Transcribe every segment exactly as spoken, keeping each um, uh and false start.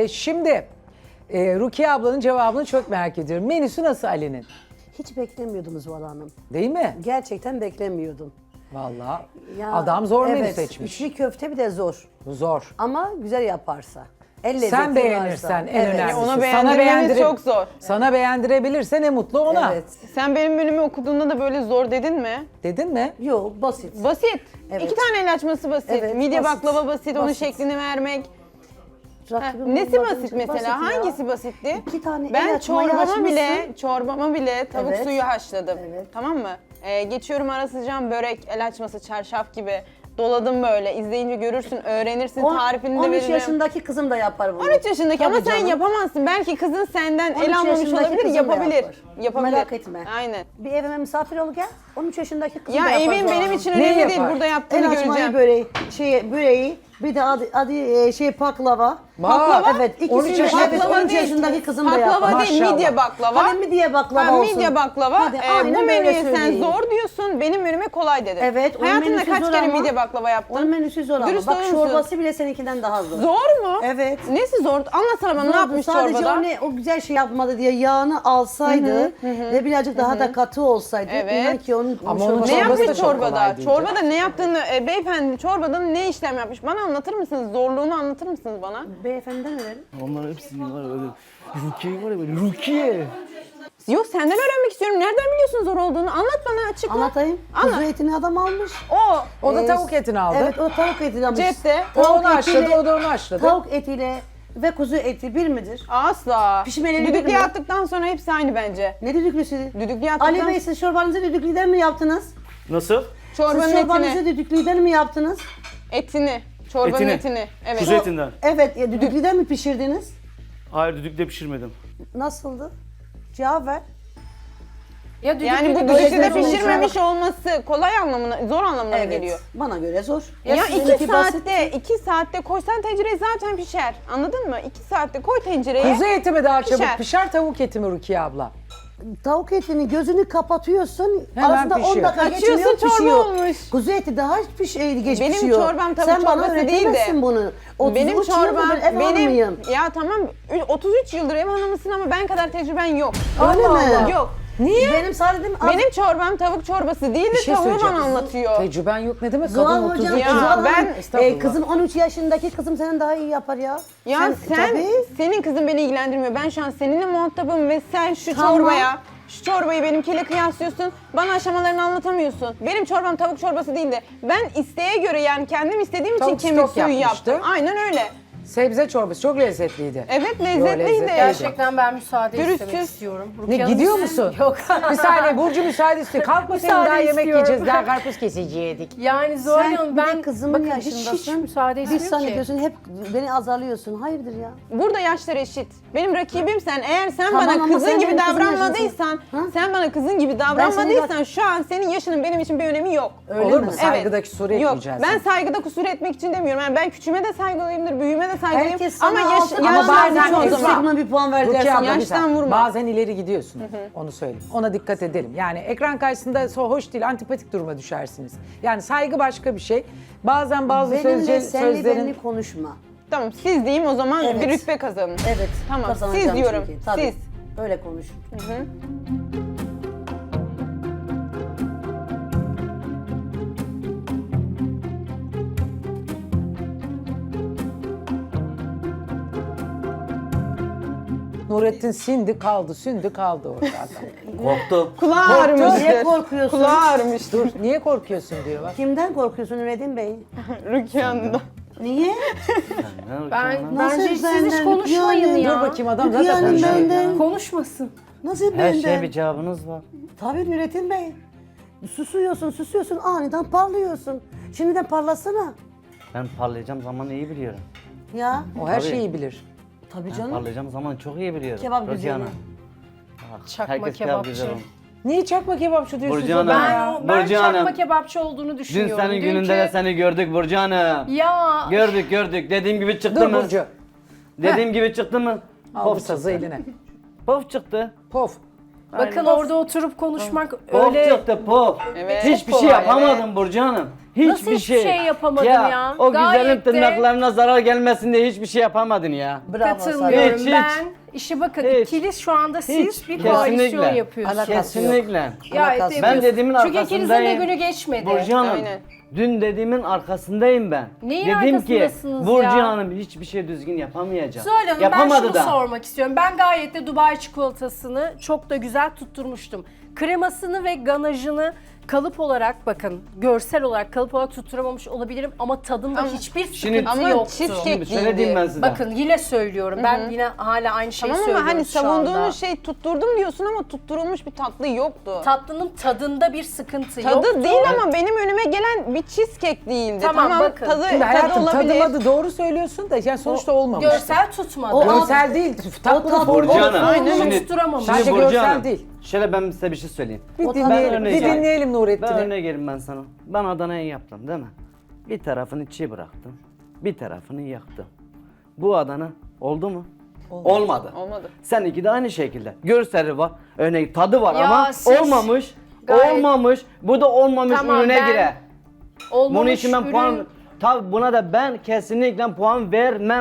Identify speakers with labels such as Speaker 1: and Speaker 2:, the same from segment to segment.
Speaker 1: Ee, şimdi e, Rukiye ablanın cevabını çok merak ediyorum. Menüsü nasıl Ali'nin?
Speaker 2: Hiç beklemiyordum Zuhal Hanım.
Speaker 1: Değil mi?
Speaker 2: Gerçekten beklemiyordum.
Speaker 1: Vallahi
Speaker 2: Ya,
Speaker 1: adam zor menü
Speaker 2: evet,
Speaker 1: seçmiş.
Speaker 2: içli köfte bir de zor.
Speaker 1: Bu zor.
Speaker 2: Ama güzel yaparsa. El lezzeti
Speaker 1: Sen beğenirsen
Speaker 2: varsa.
Speaker 1: en
Speaker 2: Evet.
Speaker 1: önemlisi.
Speaker 3: Onu
Speaker 1: Sana
Speaker 3: beğendirmemiz
Speaker 1: beğendirip-
Speaker 3: çok zor.
Speaker 1: Sana beğendirebilirse ne mutlu ona.
Speaker 2: Evet.
Speaker 3: Sen benim menümü okuduğunda da böyle zor dedin mi?
Speaker 1: Dedin mi?
Speaker 2: Yok, basit.
Speaker 3: Basit.
Speaker 2: Evet.
Speaker 3: İki tane el açması basit.
Speaker 2: Evet,
Speaker 3: Midye
Speaker 2: basit.
Speaker 3: baklava basit, onun
Speaker 2: Basit.
Speaker 3: şeklini vermek. Ha,
Speaker 2: Rakibim
Speaker 3: nesi
Speaker 2: olmadığınca
Speaker 3: basit mesela?
Speaker 2: basit ya.
Speaker 3: Hangisi basitti?
Speaker 2: İki tane el
Speaker 3: Ben
Speaker 2: açmayı
Speaker 3: çorbama
Speaker 2: açmışsın.
Speaker 3: bile, çorbama bile tavuk
Speaker 2: Evet.
Speaker 3: suyu haşladım.
Speaker 2: Evet.
Speaker 3: Tamam mı? Ee, geçiyorum ara sıcağım börek, el açması, çarşaf gibi. Doladım böyle. İzleyince görürsün, öğrenirsin,
Speaker 2: On-
Speaker 3: tarifini de
Speaker 2: on üç
Speaker 3: veririm.
Speaker 2: yaşındaki kızım da yapar bunu.
Speaker 3: on üç yaşındaki ama
Speaker 2: Tabii
Speaker 3: sen
Speaker 2: canım.
Speaker 3: yapamazsın. Belki kızın senden
Speaker 2: on üç
Speaker 3: el almamış
Speaker 2: yaşındaki
Speaker 3: olabilir,
Speaker 2: kızım da
Speaker 3: yapabilir.
Speaker 2: yapar.
Speaker 3: Yapabilir.
Speaker 2: Merak etme.
Speaker 3: Aynen.
Speaker 2: Bir evime misafir ol gel. on üç yaşındaki kızım da
Speaker 3: Ya
Speaker 2: yapar.
Speaker 3: evin
Speaker 2: Zuhal
Speaker 3: benim
Speaker 2: Hanım.
Speaker 3: için
Speaker 1: Ne
Speaker 3: önemli değil.
Speaker 1: yapar?
Speaker 3: Burada yaptığını
Speaker 2: El açmayı
Speaker 3: göreceğim.
Speaker 2: böreği, şey, böreği, bir de adı, adı e, şey baklava.
Speaker 1: Baklava?
Speaker 2: Evet,
Speaker 1: on üç
Speaker 2: ikisini
Speaker 1: yaşında
Speaker 2: evet,
Speaker 3: baklava
Speaker 2: on üç
Speaker 3: değil.
Speaker 2: yaşındaki kızım da yapar.
Speaker 3: Baklava değil,
Speaker 1: Maşallah.
Speaker 3: midye baklava.
Speaker 2: Hadi midye baklava
Speaker 3: Ha,
Speaker 2: olsun.
Speaker 3: midye baklava.
Speaker 2: Hadi,
Speaker 3: Ee,
Speaker 2: aynen
Speaker 3: bu
Speaker 2: böyle
Speaker 3: menüye sen
Speaker 2: söyleyin.
Speaker 3: zor diyorsun, benim menüme kolay dedin.
Speaker 2: Evet, onun
Speaker 3: Hayatında
Speaker 2: menüsü
Speaker 3: kaç
Speaker 2: zor
Speaker 3: kere
Speaker 2: ama-
Speaker 3: midye baklava yaptın?
Speaker 2: Onun menüsü zor ama.
Speaker 3: Dürüst
Speaker 2: Bak
Speaker 3: olur musun?
Speaker 2: çorbası bile seninkinden daha zor.
Speaker 3: Zor mu?
Speaker 2: Evet.
Speaker 3: Nesi zor? Anlatsana bana ne
Speaker 2: Zordu.
Speaker 3: yapmış
Speaker 2: Sadece
Speaker 3: çorbada?
Speaker 2: o, ne, o güzel şey yapmadı diye yağını alsaydı ve birazcık daha da katı olsaydı.
Speaker 3: Evet.
Speaker 2: inan ki onun,
Speaker 1: Ama
Speaker 2: çorbası-
Speaker 1: onun
Speaker 3: Ne
Speaker 1: çorbası da
Speaker 3: yapmış
Speaker 1: çok kolay
Speaker 3: çorbada?
Speaker 1: değildi.
Speaker 3: Çorbada ne yaptığını, e, beyefendi çorbada ne işlem yapmış? Bana anlatır mısınız? Zorluğunu anlatır mısınız bana?
Speaker 2: Beyefendiden öğrenin.
Speaker 4: Onlar hepsi var öyle. Rukiye var ya böyle Rukiye.
Speaker 3: Yok senden öğrenmek istiyorum. Nereden biliyorsun zor olduğunu? Anlat bana açıkla.
Speaker 2: Anlatayım.
Speaker 3: Anlat.
Speaker 2: Kuzu etini adam almış.
Speaker 3: O.
Speaker 1: O da
Speaker 2: Ee,
Speaker 1: tavuk etini aldı.
Speaker 2: Evet, o tavuk etini almış.
Speaker 3: Cepte.
Speaker 1: O
Speaker 2: Tavuk
Speaker 1: onu haşladı,
Speaker 2: etiyle-
Speaker 1: o da onu haşladı.
Speaker 2: Tavuk etiyle ve kuzu eti bir midir?
Speaker 3: Asla.
Speaker 2: Pişmelerini
Speaker 3: Düdüklüye
Speaker 2: bilmiyorum.
Speaker 3: attıktan sonra hepsi aynı bence.
Speaker 2: Ne düdüklüsü?
Speaker 3: Düdüklüye attıktan
Speaker 2: Ali Bey, siz çorbanızı düdüklüden mi yaptınız?
Speaker 4: Nasıl?
Speaker 3: çorbanın
Speaker 2: Siz çorbanızı
Speaker 3: etini.
Speaker 2: düdüklüden mi yaptınız?
Speaker 3: Etini. Çorbanın
Speaker 4: Etini.
Speaker 3: etini. Evet.
Speaker 4: Kuzu etinden.
Speaker 2: Evet, ya düdüklüden mi pişirdiniz?
Speaker 4: Hayır düdükle pişirmedim.
Speaker 2: Nasıldı? Cevap ver.
Speaker 5: Ya düdüklü
Speaker 3: Yani bu
Speaker 5: de
Speaker 3: düdüklüde
Speaker 2: pişirmemiş
Speaker 3: pişirmemiş olması kolay anlamına, zor anlamına
Speaker 2: Evet.
Speaker 3: geliyor.
Speaker 2: Bana göre zor.
Speaker 3: Ya,
Speaker 2: sizinki
Speaker 3: iki saatte, iki saatte koysan tencereye zaten pişer. Anladın mı? İki saatte koy tencereye.
Speaker 1: Kuzu eti mi daha çabuk
Speaker 3: Pişer.
Speaker 1: pişer, tavuk eti mi Rukiye abla?
Speaker 2: Tavuk etini gözünü kapatıyorsun.
Speaker 1: Hemen
Speaker 2: arasında on
Speaker 1: pişiyor.
Speaker 2: dakika
Speaker 3: Açıyorsun,
Speaker 2: geçmiyor,
Speaker 3: çorba
Speaker 2: pişiyor.
Speaker 3: olmuş.
Speaker 2: Kuzu eti daha piş, e, geç
Speaker 3: Benim
Speaker 2: pişiyor.
Speaker 3: çorbam tavuk
Speaker 2: Sen bana
Speaker 3: çorbası değil de.
Speaker 2: öğretemezsin bunu. otuz
Speaker 3: Benim
Speaker 2: üç yıldır
Speaker 3: çorbam,
Speaker 2: ben ev
Speaker 3: benim,
Speaker 2: hanımıyım.
Speaker 3: ya tamam otuz üç yıldır ev hanımısın ama ben kadar tecrüben yok.
Speaker 2: Öyle mi?
Speaker 3: Yok.
Speaker 2: Niye? Benim sadece
Speaker 3: Benim çorbam tavuk çorbası değil de
Speaker 1: Bir şey
Speaker 3: tavuğu bana
Speaker 1: söyleyeceğim.
Speaker 3: anlatıyor.
Speaker 1: Tecrüben yok ne demek?
Speaker 2: Zuhal
Speaker 1: Kadın otuz
Speaker 2: hocam,
Speaker 1: üç
Speaker 3: Ya,
Speaker 2: Zuhal
Speaker 3: ben-
Speaker 2: Hanım,
Speaker 1: Estağfurullah.
Speaker 2: e, kızım on üç yaşındaki kızım senin daha iyi yapar ya.
Speaker 3: Ya sen,
Speaker 2: tabii.
Speaker 3: senin kızın beni ilgilendirmiyor. Ben şu an seninle muhatabım ve sen şu
Speaker 2: Tamam.
Speaker 3: çorbaya, şu çorbayı benimkiyle kıyaslıyorsun. Bana aşamalarını anlatamıyorsun. Benim çorbam tavuk çorbası değil de ben isteğe göre yani kendim istediğim
Speaker 1: Tavuk
Speaker 3: için kemik
Speaker 1: stok
Speaker 3: suyu
Speaker 1: yapmıştı.
Speaker 3: yaptım. Aynen öyle.
Speaker 1: Sebze çorbası çok lezzetliydi.
Speaker 3: Evet
Speaker 1: Yo,
Speaker 3: lezzetliydi.
Speaker 1: lezzetliydi.
Speaker 5: Gerçekten ben müsaade
Speaker 3: Dürüstsüz.
Speaker 5: istemek istiyorum.
Speaker 1: Ne
Speaker 5: Rukiye Hanım,
Speaker 1: gidiyor
Speaker 5: siz-
Speaker 1: musun?
Speaker 5: Yok.
Speaker 1: Bir saniye Burcu müsaade istiyor. Kalk bakayım
Speaker 5: Müsaade
Speaker 1: daha yemek
Speaker 5: istiyorum.
Speaker 1: yiyeceğiz. Daha karpuz kesecektik.
Speaker 5: Yani Zuhal
Speaker 2: Sen
Speaker 5: Hanım
Speaker 2: bir de
Speaker 5: ben
Speaker 2: kızımın
Speaker 5: bakın hiç, hiç
Speaker 2: yaşındasın.
Speaker 5: müsaade
Speaker 2: Bir
Speaker 5: etmiyorum
Speaker 2: saniye
Speaker 5: ki.
Speaker 2: diyorsun, hep beni azarlıyorsun. Hayırdır ya?
Speaker 3: Burada yaşlar eşit. Benim rakibim sen. Eğer sen
Speaker 2: Tamam
Speaker 3: bana
Speaker 2: ama
Speaker 3: kızın
Speaker 2: sen
Speaker 3: gibi
Speaker 2: benim kızım
Speaker 3: davranmadıysan,
Speaker 2: yaşındasın. Ha?
Speaker 3: sen bana kızın gibi davranmadıysan şu an senin yaşının benim için bir önemi yok.
Speaker 2: Öyle
Speaker 1: Olur
Speaker 2: mi?
Speaker 1: mu? Saygıda kusur
Speaker 3: Yok.
Speaker 1: etmeyeceğiz.
Speaker 3: Ben saygıda kusur etmek için demiyorum. Yani ben küçüğüme de saygılıyımdır, büyüğüme de saygılıyım.
Speaker 2: Herkes sana
Speaker 3: ama yaş,
Speaker 2: altı-
Speaker 1: Ama
Speaker 3: yaşlar
Speaker 1: bazen
Speaker 3: çok
Speaker 2: çok
Speaker 3: o
Speaker 2: yüksek
Speaker 3: zaman.
Speaker 2: mi bir puan verdiler
Speaker 1: Rukiye
Speaker 2: sana?
Speaker 1: abla, bir
Speaker 3: Yaştan
Speaker 1: saniye.
Speaker 3: vurma.
Speaker 1: Bazen ileri gidiyorsun. Onu söyleyeyim. Ona dikkat edelim. Yani ekran karşısında so- hoş değil, antipatik duruma düşersiniz. Yani saygı başka bir şey. Bazen bazı
Speaker 2: Benimle
Speaker 1: sözce,
Speaker 2: senli
Speaker 1: sözlerin...
Speaker 2: benli konuşma.
Speaker 3: Tamam siz diyeyim o zaman
Speaker 2: Evet.
Speaker 3: bir rütbe kazanın.
Speaker 2: Evet.
Speaker 3: Tamam,
Speaker 2: kazanacağım
Speaker 3: siz diyorum,
Speaker 2: çünkü. Tabii.
Speaker 3: siz.
Speaker 2: Öyle konuş.
Speaker 1: Nurettin sindi kaldı, sündü kaldı orada adam.
Speaker 4: Korktum.
Speaker 3: Kulağı
Speaker 2: Niye
Speaker 3: ağrımıştır.
Speaker 2: korkuyorsun?
Speaker 3: Kulağı ağrımıştır.
Speaker 1: Dur, niye korkuyorsun diyor bak.
Speaker 2: Kimden korkuyorsun Nurettin Bey?
Speaker 3: Rukiye Hanım'dan.
Speaker 2: Niye?
Speaker 5: Ben,
Speaker 2: Nasıl
Speaker 5: bence siz
Speaker 2: benden?
Speaker 5: hiç konuşmayın
Speaker 2: Yani-
Speaker 5: ya.
Speaker 1: Dur bakayım adam
Speaker 2: Rukiye
Speaker 1: zaten
Speaker 2: Hanım
Speaker 1: konuşuyor.
Speaker 2: benden.
Speaker 5: Konuşmasın.
Speaker 2: Nasıl
Speaker 4: Her
Speaker 2: benden?
Speaker 4: şeye bir cevabınız var.
Speaker 2: Tabii Nurettin Bey. Susuyorsun, susuyorsun, aniden parlıyorsun. Şimdiden parlasana.
Speaker 4: Ben parlayacağım zamanı iyi biliyorum.
Speaker 2: Ya.
Speaker 1: O her
Speaker 4: Tabii.
Speaker 1: şeyi bilir.
Speaker 2: Tabii
Speaker 4: Ben
Speaker 2: canım.
Speaker 4: parlayacağım zamanı çok iyi biliyorum.
Speaker 2: Kebap
Speaker 4: Rukiye
Speaker 2: güzeli.
Speaker 4: Hanım. Ah,
Speaker 5: Çakma
Speaker 4: herkes
Speaker 5: kebapçı.
Speaker 4: güzel olur.
Speaker 1: Niye çakma kebapçı diyorsun?
Speaker 4: Burcu
Speaker 1: sen
Speaker 4: Hanım.
Speaker 1: bana
Speaker 5: Ben,
Speaker 1: ya?
Speaker 5: o, ben
Speaker 4: Burcu
Speaker 5: çakma
Speaker 4: Hanım.
Speaker 5: kebapçı olduğunu
Speaker 4: Dün
Speaker 5: düşünüyorum.
Speaker 4: senin
Speaker 5: Dünkü-
Speaker 4: gününde de seni gördük Burcu Hanım.
Speaker 5: Ya
Speaker 4: Gördük gördük. Dediğim gibi çıktı
Speaker 1: Dur
Speaker 4: mı?
Speaker 1: Burcu.
Speaker 4: Dediğim gibi çıktı mı?
Speaker 1: Al bu
Speaker 4: Pof
Speaker 1: sazı
Speaker 4: çıktı.
Speaker 1: eline.
Speaker 4: Pof çıktı.
Speaker 1: Pof.
Speaker 5: Bakın orada oturup konuşmak
Speaker 4: Pop
Speaker 5: öyle...
Speaker 4: çıktı pop.
Speaker 3: Evet.
Speaker 4: Hiçbir
Speaker 3: Çok
Speaker 4: şey
Speaker 3: kolay,
Speaker 4: yapamadım Burcu Hanım. Hiçbir
Speaker 5: Nasıl hiçbir şey yapamadın ya?
Speaker 4: O
Speaker 5: Gayet
Speaker 4: güzelim
Speaker 5: de-
Speaker 4: tırnaklarına zarar gelmesin diye hiçbir şey yapamadın ya.
Speaker 2: Bravo sana.
Speaker 5: Katılmıyorum
Speaker 4: Hiç, hiç.
Speaker 5: ben. İşte bakın
Speaker 4: Hiç.
Speaker 5: ikili şu anda siz
Speaker 4: Hiç.
Speaker 5: bir koalisyon
Speaker 4: Kesinlikle.
Speaker 5: yapıyorsunuz.
Speaker 2: Alakası yok.
Speaker 4: Kesinlikle.
Speaker 5: Gayet
Speaker 2: Alakası
Speaker 5: de
Speaker 2: yok.
Speaker 4: Ben
Speaker 5: yapıyorsunuz.
Speaker 4: dediğimin
Speaker 5: Çünkü ikinizin de
Speaker 4: arkasındayım.
Speaker 5: günü geçmedi.
Speaker 4: Burcu Hanım,
Speaker 3: Aynen.
Speaker 4: dün dediğimin arkasındayım ben.
Speaker 5: Neyin
Speaker 4: Dedim ki
Speaker 5: arkasındasınız
Speaker 4: Burcu
Speaker 5: ya?
Speaker 4: Hanım hiçbir şey düzgün yapamayacak.
Speaker 5: Zuhal Hanım ben
Speaker 4: Yapamadı
Speaker 5: şunu
Speaker 4: da.
Speaker 5: sormak istiyorum. Ben gayet de Dubai çikolatasını çok da güzel tutturmuştum. Kremasını ve ganajını kalıp olarak bakın görsel olarak kalıp olarak tutturamamış olabilirim ama tadında
Speaker 3: Ama-
Speaker 5: hiçbir sıkıntı
Speaker 4: Şimdi-
Speaker 3: Ama
Speaker 5: yoktu.
Speaker 3: cheesecake
Speaker 4: Şimdi şöyle diyeyim ben size.
Speaker 5: Bakın yine söylüyorum. Ben yine hala aynı şeyi
Speaker 3: Tamam ama
Speaker 5: söylüyorum
Speaker 3: hani
Speaker 5: şu anda.
Speaker 3: savunduğunuz şey tutturdum diyorsun ama tutturulmuş bir tatlı yoktu.
Speaker 5: Tatlının tadında bir sıkıntı
Speaker 3: Tadı
Speaker 5: yoktu.
Speaker 3: değil ama benim önüme gelen bir cheesecake değildi.
Speaker 5: Tamam,
Speaker 3: Tamam,
Speaker 5: bakın.
Speaker 3: tadı,
Speaker 1: Şimdi
Speaker 3: tadı
Speaker 1: hayatım
Speaker 3: olabilir.
Speaker 1: tadımadı doğru söylüyorsun da yani sonuçta olmamış.
Speaker 5: Görsel tutmadı.
Speaker 2: O
Speaker 1: Görsel değil. Tatlı
Speaker 2: tat-
Speaker 4: Burcu
Speaker 5: o
Speaker 4: Hanım.
Speaker 5: formunu
Speaker 4: Şimdi,
Speaker 5: tutturamamış.
Speaker 4: şimdi
Speaker 1: Bence
Speaker 4: Burcu
Speaker 1: görsel
Speaker 4: Hanım,
Speaker 1: değil.
Speaker 4: Şöyle ben size bir şey söyleyeyim.
Speaker 1: Bir
Speaker 2: O
Speaker 1: dinleyelim,
Speaker 4: tadı-
Speaker 1: bir dinleyelim
Speaker 4: Ben
Speaker 1: Nurettin'i.
Speaker 4: örnek vereyim ben sana. Ben Adana'yı yaptım değil mi? Bir tarafını çiğ bıraktım. Bir tarafını yaktım. Bu Adana oldu mu? Olmadı.
Speaker 3: Olmadı.
Speaker 4: Seninki de aynı şekilde. Görseli var. Örneğin tadı var
Speaker 5: Ya
Speaker 4: ama
Speaker 5: siz
Speaker 4: olmamış.
Speaker 5: gayet-
Speaker 4: Olmamış. Bu da olmamış
Speaker 5: Tamam,
Speaker 4: ürüne
Speaker 5: ben-
Speaker 4: girer.
Speaker 5: Olmamış
Speaker 4: Bunun için ben
Speaker 5: ürün-
Speaker 4: puan... Tabii buna da ben kesinlikle puan vermem.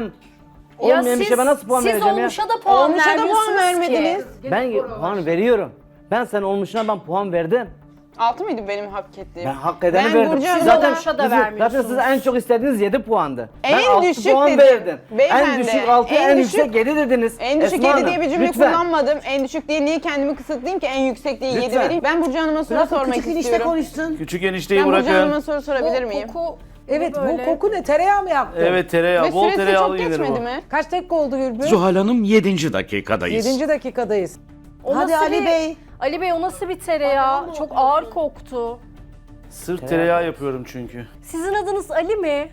Speaker 5: Ya
Speaker 4: Olmayan bir
Speaker 5: siz,
Speaker 4: şeye ben nasıl puan
Speaker 5: siz
Speaker 4: vereceğim ya?
Speaker 5: olmuşa da puan
Speaker 3: Olmuşa da puan
Speaker 5: vermiyorsunuz
Speaker 3: vermediniz.
Speaker 5: ki.
Speaker 4: Ben puan veriyorum. Ben sen olmuşuna ben puan verdim.
Speaker 3: Altı mıydı benim hak ettiğim?
Speaker 4: Ben hak edeni
Speaker 3: Ben
Speaker 4: verdim.
Speaker 3: Burcu Hanım'a
Speaker 4: zaten,
Speaker 5: olmuşa da
Speaker 4: siz- zaten
Speaker 5: vermiyorsunuz.
Speaker 4: siz en çok istediğiniz yedi puandı.
Speaker 3: En
Speaker 4: ben altı
Speaker 3: düşük
Speaker 4: puan
Speaker 3: dedim.
Speaker 4: verdim. En
Speaker 3: Beyefendi,
Speaker 4: düşük altı, en,
Speaker 3: en
Speaker 4: yüksek
Speaker 3: düşük-
Speaker 4: yedi dediniz.
Speaker 3: En düşük
Speaker 4: Esma
Speaker 3: yedi
Speaker 4: Hanım,
Speaker 3: diye bir cümle
Speaker 4: lütfen.
Speaker 3: kullanmadım. En düşük diye niye kendimi kısıtlayayım ki en yüksek diye yedi
Speaker 4: Lütfen.
Speaker 3: vereyim. Ben Burcu Hanım'a soru
Speaker 2: Bırak
Speaker 3: sormak
Speaker 2: küçük enişte
Speaker 3: istiyorum.
Speaker 2: konuşsun.
Speaker 6: Küçük enişteyi
Speaker 3: Ben Burcu
Speaker 6: bırakın.
Speaker 3: Hanım'a soru sorabilir
Speaker 5: Bu
Speaker 3: miyim?
Speaker 5: koku
Speaker 1: Evet
Speaker 5: böyle.
Speaker 1: bu koku ne? Tereyağı mı yaptın?
Speaker 6: Evet tereyağı,
Speaker 3: Ve
Speaker 6: bol
Speaker 3: süresi
Speaker 6: tereyağlı
Speaker 3: çok
Speaker 6: gelir
Speaker 3: geçmedi
Speaker 6: bu.
Speaker 3: mi?
Speaker 1: Kaç dakika oldu Gülbü?
Speaker 7: Zuhal Hanım yedinci dakikadayız.
Speaker 1: Yedinci dakikadayız.
Speaker 5: O
Speaker 2: Hadi
Speaker 5: nasıl
Speaker 2: Ali
Speaker 5: bir-
Speaker 2: Bey.
Speaker 5: Ali Bey o nasıl bir tereyağı? Çok ağır koktu.
Speaker 6: Sırf tereyağı yapıyorum çünkü.
Speaker 5: Sizin adınız Ali mi?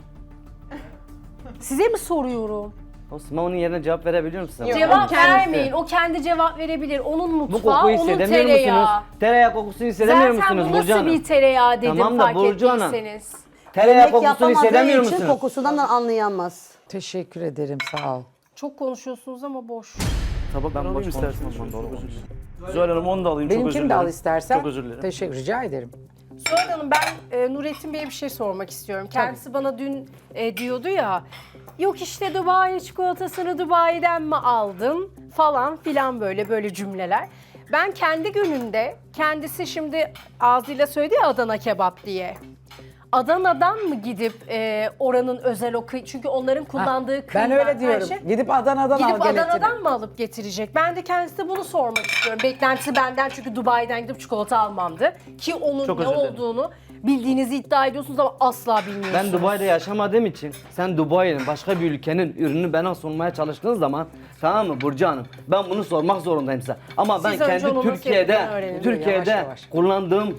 Speaker 5: Size mi soruyorum?
Speaker 4: Osman onun yerine cevap verebiliyor musun?
Speaker 3: Yok.
Speaker 5: Cevap
Speaker 3: kendisi.
Speaker 5: vermeyin. O kendi cevap verebilir. Onun
Speaker 4: Bu
Speaker 5: mutfağı,
Speaker 4: kokuyu
Speaker 5: onun
Speaker 4: hissedemiyor
Speaker 5: tereyağı.
Speaker 4: musunuz? Tereyağı kokusunu hissedemiyor
Speaker 5: Zaten
Speaker 4: musunuz
Speaker 5: bu
Speaker 4: Burcu
Speaker 5: nasıl
Speaker 4: Hanım?
Speaker 5: bir tereyağı dedim
Speaker 4: Tamam da
Speaker 5: fark
Speaker 4: Burcu Hanım.
Speaker 5: ettiyseniz.
Speaker 4: Tereyağı
Speaker 2: Yemek
Speaker 4: kokusunu hissedemiyor
Speaker 2: yapamadığı için
Speaker 4: musunuz?
Speaker 2: kokusundan da anlayamaz.
Speaker 1: Teşekkür ederim sağ ol.
Speaker 5: Çok konuşuyorsunuz ama boş.
Speaker 6: Tabakları
Speaker 4: Ben
Speaker 6: alayım
Speaker 4: boş
Speaker 6: isterseniz.
Speaker 4: konuşmam,
Speaker 6: Çok
Speaker 4: doğru
Speaker 6: özür dilerim. Zuhal Hanım onu da alayım, çok özür
Speaker 1: Benimkini
Speaker 6: dilerim.
Speaker 1: de al istersen.
Speaker 6: Çok özür dilerim.
Speaker 1: Teşekkür rica ederim.
Speaker 5: Zuhal Hanım ben e, Nurettin Bey'e bir şey sormak istiyorum. Kendisi bana dün e, diyordu ya, yok işte Dubai çikolatasını Dubai'den mi aldın falan filan böyle böyle cümleler. Ben kendi gününde kendisi şimdi ağzıyla söyledi ya Adana kebap diye. Adana'dan mı gidip e, oranın özel o kıy- çünkü onların kullandığı
Speaker 1: Ben
Speaker 5: kıyma
Speaker 1: öyle
Speaker 5: her
Speaker 1: diyorum.
Speaker 5: şey-
Speaker 1: Gidip Adana'dan
Speaker 5: Gidip
Speaker 1: al geletini.
Speaker 5: Adana'dan mı alıp getirecek? Ben de kendisine bunu sormak istiyorum. Beklentisi benden çünkü Dubai'den gidip çikolata almamdı. Ki onun
Speaker 6: Çok
Speaker 5: ne
Speaker 6: özür dilerim.
Speaker 5: olduğunu bildiğinizi iddia ediyorsunuz ama asla bilmiyorsunuz.
Speaker 4: Ben Dubai'de yaşamadığım için sen Dubai'nin başka bir ülkenin ürünü bana sunmaya çalıştığın zaman tamam mı Burcu Hanım ben bunu sormak zorundayım size. Ama ben
Speaker 5: Siz önce
Speaker 4: kendi
Speaker 5: onun nasıl
Speaker 4: Türkiye'de
Speaker 5: yapıldığını öğrenin.
Speaker 4: Türkiye'de
Speaker 1: Yavaş yavaş.
Speaker 4: kullandığım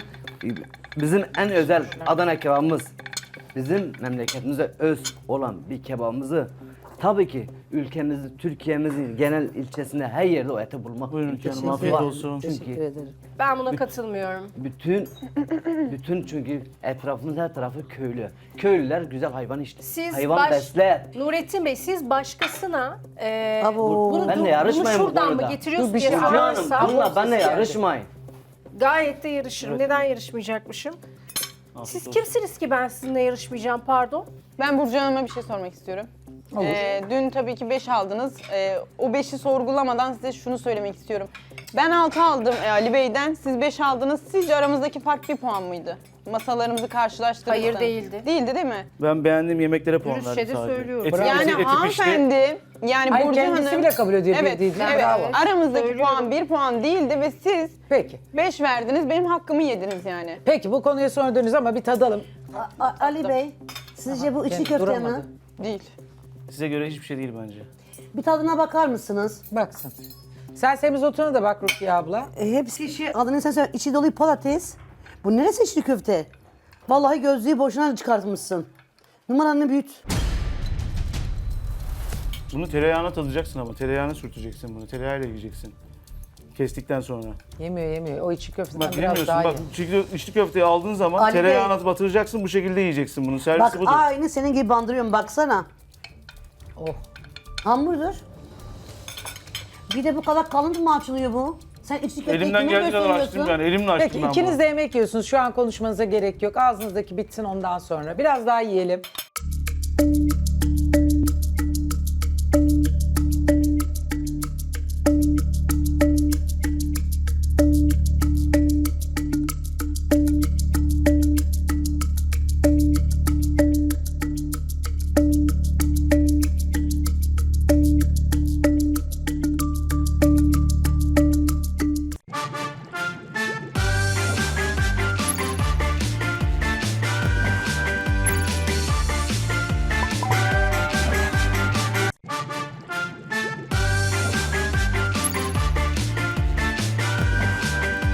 Speaker 4: bizim en özel Adana kebabımız bizim memleketimize öz olan bir kebabımızı tabii ki ülkemizi, Türkiye'mizin genel ilçesinde her yerde o eti bulmak
Speaker 6: Buyurun
Speaker 4: imkanımız
Speaker 6: canım, afiyet
Speaker 4: var.
Speaker 6: olsun.
Speaker 2: Teşekkür
Speaker 4: Çünkü
Speaker 2: ederim.
Speaker 5: Ben buna katılmıyorum.
Speaker 4: bütün bütün çünkü etrafımız her tarafı köylü. Köylüler güzel hayvan işte.
Speaker 5: Siz
Speaker 4: hayvan
Speaker 5: baş-
Speaker 4: besler.
Speaker 5: Nurettin Bey siz başkasına e,
Speaker 2: Abo.
Speaker 5: bunu,
Speaker 4: Ben de
Speaker 5: bunu
Speaker 4: yarışmayın bu
Speaker 5: şuradan mı
Speaker 4: konuda.
Speaker 5: getiriyorsun
Speaker 1: Dur, bir
Speaker 5: diye
Speaker 1: şey-
Speaker 4: Burcu Hanım
Speaker 5: sorarsa
Speaker 4: bununla benle yarışmayın.
Speaker 5: gayet de yarışırım. Neden yarışmayacakmışım? Siz kimsiniz ki ben sizinle yarışmayacağım pardon?
Speaker 3: Ben Burcu Hanım'a bir şey sormak istiyorum. Ee, dün tabii ki beş aldınız. Ee, o beşi sorgulamadan size şunu söylemek istiyorum. Ben altı aldım e, Ali Bey'den, siz beş aldınız. Sizce aramızdaki fark bir puan mıydı? Masalarımızı karşılaştırırsanız.
Speaker 5: Hayır, değildi.
Speaker 3: Değildi değil mi?
Speaker 6: Ben beğendiğim yemeklere puan
Speaker 5: Dürüstçe
Speaker 6: verdim
Speaker 5: de
Speaker 6: sadece.
Speaker 5: söylüyorum.
Speaker 6: Eti,
Speaker 3: Yani
Speaker 6: eti, eti pişti.
Speaker 3: hanımefendi, yani
Speaker 1: Hayır,
Speaker 3: Burcu
Speaker 1: kendisi
Speaker 3: Hanım...
Speaker 1: bile kabul ediyor
Speaker 3: Evet,
Speaker 1: bildiğini.
Speaker 3: evet.
Speaker 1: Bravo.
Speaker 3: Aramızdaki
Speaker 5: Söylüyorum.
Speaker 3: puan bir puan değildi ve siz
Speaker 1: Peki.
Speaker 3: beş verdiniz, benim hakkımı yediniz yani.
Speaker 1: Peki bu konuya sonra döneceğiz ama bir tadalım.
Speaker 2: A- A- Ali Bey, sizce bu içli
Speaker 1: Kendi
Speaker 2: köfte
Speaker 1: duramadı.
Speaker 2: mi?
Speaker 3: Değil.
Speaker 6: Size göre hiçbir şey değil bence.
Speaker 2: Bir tadına bakar mısınız?
Speaker 1: Baksın. Sen semizotuna da bak Rukiye abla.
Speaker 2: E, hepsi şey, adını sen söyle, içi dolu patates. Bu neresi içli köfte? Vallahi gözlüğü boşuna çıkartmışsın. Numaranı büyüt.
Speaker 6: Bunu tereyağına tadacaksın ama tereyağına sürteceksin bunu. Tereyağıyla yiyeceksin. Kestikten sonra.
Speaker 1: Yemiyor yemiyor. O içi köfteden
Speaker 6: Bak
Speaker 1: biraz
Speaker 6: bilmiyorsun
Speaker 1: daha
Speaker 6: bak
Speaker 1: iyi.
Speaker 6: çünkü içli köfteyi aldığın zaman
Speaker 2: Ali Bey.
Speaker 6: tereyağına batıracaksın bu şekilde yiyeceksin bunu. Servisi
Speaker 2: Bak
Speaker 6: budur.
Speaker 2: aynı senin gibi bandırıyorum baksana.
Speaker 1: Oh.
Speaker 2: Hamburger. Bir de bu kadar kalın mı açılıyor bu? Sen içli köfteyi
Speaker 6: Elimden
Speaker 2: kime
Speaker 6: geldiği kadar açtım
Speaker 2: gösteriyorsun?
Speaker 6: yani. Elimle açtım
Speaker 1: Peki
Speaker 6: ben
Speaker 1: ikiniz
Speaker 6: bunu.
Speaker 1: de yemek yiyorsunuz. Şu an konuşmanıza gerek yok. Ağzınızdaki bitsin ondan sonra. Biraz daha yiyelim.